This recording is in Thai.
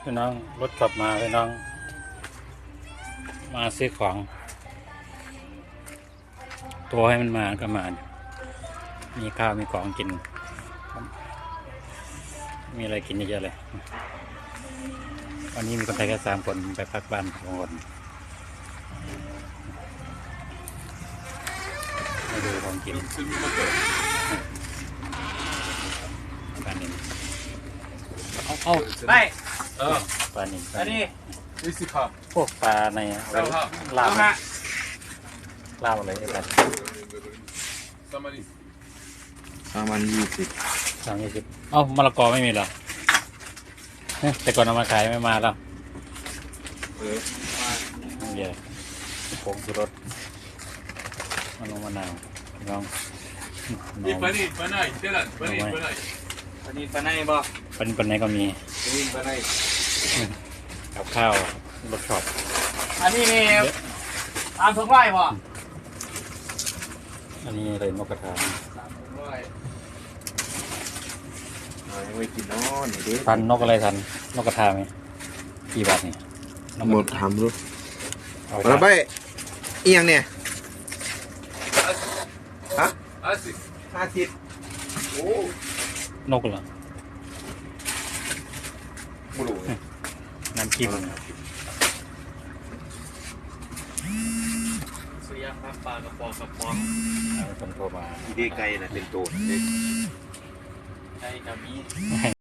พี่น้องรถขับมาพี่น้องมาซื้อของตัวให้มันมาก็มามีข้าวมีของกินมีอะไรกินเยอะๆเลยวันนี้มีคนไทยแค่3 คนไปพักบ้าน2 คนมาดูของกินปลาหนึ่งเอาไปปลาหนึ่งอันนี้วิสิครับพวกปลาในลาบลาบอะไรไอ้กัน 320 320เอ้ามะละกอไม่มีเหรอแต่ก่อนเอามาขายไม่มาแล้วเดี๋ยวผงชูรสมันลงมะนาวน้องนี่ปนีปนายเท่านั้นปนีปนายปนีปนายบ่ปันไหนก็มีปนีปนายกับข้าวรสช็อปอันนี้นี่ตามถุงไร่บ่อันนี้อะไรนกกระทาตามถุงไร่ยังไม่กินนอนนี่ดิทันนกอะไรทันนกกระทาไหมกี่บาทนี่หมดทำรู้เอาแล้วไปเอียงเนี่ยฮะ 50โอ้นกเหรอบุรุษน้ำจิ้มเสียครับปลากระป๋องกระป๋องคนโทรมาดีไกลนะเป็นตัวใจกับมีให้